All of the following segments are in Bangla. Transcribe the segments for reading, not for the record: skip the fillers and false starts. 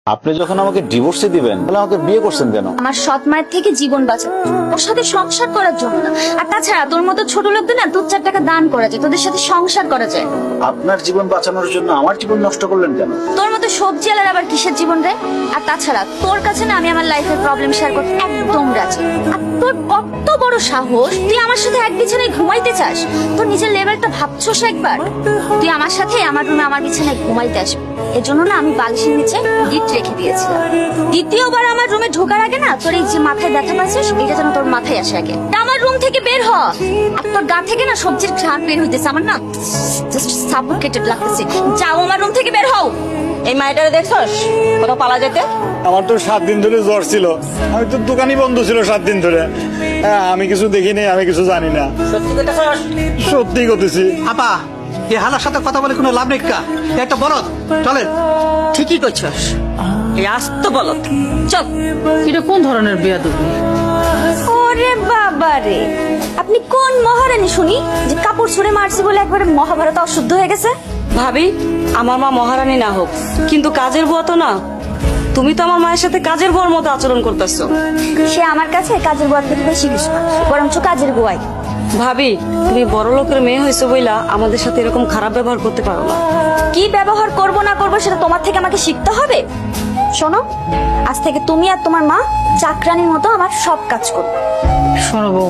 আপনি যখন আমাকে ডিভোর্সে দিবেন তাহলে আমাকে বিয়ে করছেন কেন? আমার সৎ মায়ের থেকে জীবন বাঁচানো, ওর সাথে সংসার করার জন্য না। আর তাছাড়া তোর মতো ছোট লোকদের না 2-4 টাকা দান করা যায়, তোদের সাথে সংসার করা যায়। আপনার জীবন বাঁচানোর জন্য আমার জীবন নষ্ট করলেন কেন? তোর মতো সবজি আলার আবার কিসের জীবন রে? আর তাছাড়া তোর কাছে না আমি আমার লাইফের প্রবলেম শেয়ার করতে একদম রাজি। আর তোর কত বড় সাহস, তুই আমার সাথে এক বিছানায় ঘুমাইতে চাস? তোর নিজের লেভেলটা ভাবছোস একবার? তুই আমার সাথে আমার রুমে আমার বিছানায় ঘুমাইতে আসবি, এর জন্য না আমি বালিশের নিচে গিট রেখে দিয়েছিলাম। দ্বিতীয়বার আমার রুমে ঢোকার আগে না তোর এই যে মাথায় ব্যথা পাচ্ছিস, এটা যেন তোর মাথায় আসে আগে। আমার রুম থেকে বের হ। আর তোর গা থেকে না সবজির ঘ্রাণ বের হইতেছে, আমার না জাস্ট সাফোকেটেড লাগতেছে। যাও আমার রুম থেকে বের হও। এই মাইটারে দেখছস কোথাও পালা যেতে? আমার তো 7 দিন ধরে জ্বর ছিল, আমি তো দোকানই বন্ধ ছিল 7 দিন ধরে। হ্যাঁ, আমি কিছু দেখিনি, আমি কিছু জানি না। সত্যি কইতাছস? সত্যি করতেছি। আপা, এই হালার সাথে কথা বলে কোনো লাভ নেই কা, একটা বলদ। চলেন। ঠিকই কইছস, এই আস্ত বলত। চল। এটা কোন ধরনের বেয়াদবি? ওরে বাবা রে, আপনি কোন মহারানী শুনি যে কাপড় ছুঁড়ে মারছি বলে একবারে মহাভারত অশুদ্ধ হয়ে গেছে? ভাবি, আমার মা মহারানী না হোক, কিন্তু কাজের বুয়া তো না। তুমি তো আমার মায়ের সাথে কাজের বুয়ার মতো আচরণ করতেছো। সে আমার কাছে কাজের গোয়া থেকে বেশি কিছু না, বরঞ্চ কাজের গোয়াই। ভাবি, তুমি বড় লোকের মেয়ে হয়েছো বইলা আমাদের সাথে এরকম খারাপ ব্যবহার করতে পারো না। কি ব্যবহার করব না করব সেটা তোমার থেকে আমাকে শিখতে হবে। শোনো, আজ থেকে তুমি আর তোমার মা চাকরানির মতো আমার সব কাজ করবে। শোনো বউ,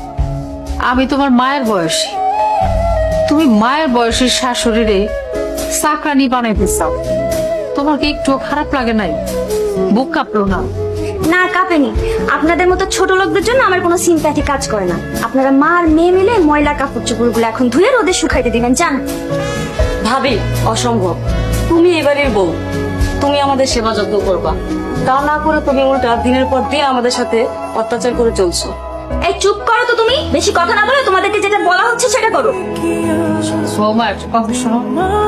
আমি তোমার মায়ের বয়সী, তুমি মায়ের বয়সের শাশুড়িরে চাকরানি বানাইতে চাও, তোমার কি একটু খারাপ লাগে নাই? বুক কাঁপলো না? না কাঁপেনি। আপনাদের মতো ছোট লোকদের জন্য আমার কোনো সিম্প্যাথি কাজ করে না। আপনারা মা আর মেয়ে মিলে ময়লা কাপড় চোপড়গুলো এখন ধুয়ে রোদে শুকাইতে দিবেন, জান? ভাবি, অসম্ভব। তুমি এবারের বউ, তুমি আমাদের সেবা যত্ন করবা, তা না করে তুমি উল্টা দিনের পর দিন আমাদের সাথে অত্যাচার করে চলছো। এই চুপ করো তো, তুমি বেশি কথা না বলে তোমাদেরকে যেটা বলা হচ্ছে সেটা করো। বৌমা একটা কথা শোনো।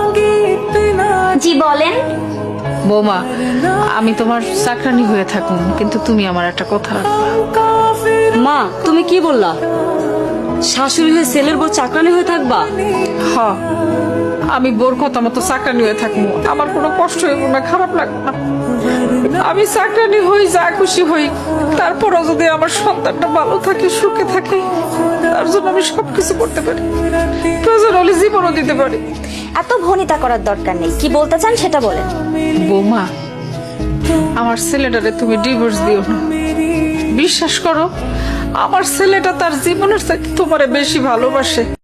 জি বলেন। বৌমা, আমি তোমার চাকরানি হয়ে থাকুন, কিন্তু তুমি আমার একটা কথা রাখবা। মা, তুমি কি বললা? শাশুড়ি হয়ে ছেলের বউ চাকরানি হয়ে থাকবা? হ, আমি বোর কথা মতো চাকরানি হয়ে থাকবো, আমার কোনো কষ্ট হইব না, খারাপ লাগবে না। আমি চাকরানি হই, যা খুশি হই, তারপরও যদি আমার সন্তানটা ভালো থাকে, সুখে থাকে, তার জন্য আমি সবকিছু করতে পারি, প্রয়োজন হলে জীবনও দিতে পারি। এত ভনিতা করার দরকার নেই, কি বলতে চান সেটা বলেন। বৌমা, আমার ছেলেটারে তুমি ডিভোর্স দিও না। বিশ্বাস করো, আমার ছেলেটা তার জীবনের চাইতে তোমারে বেশি ভালোবাসে।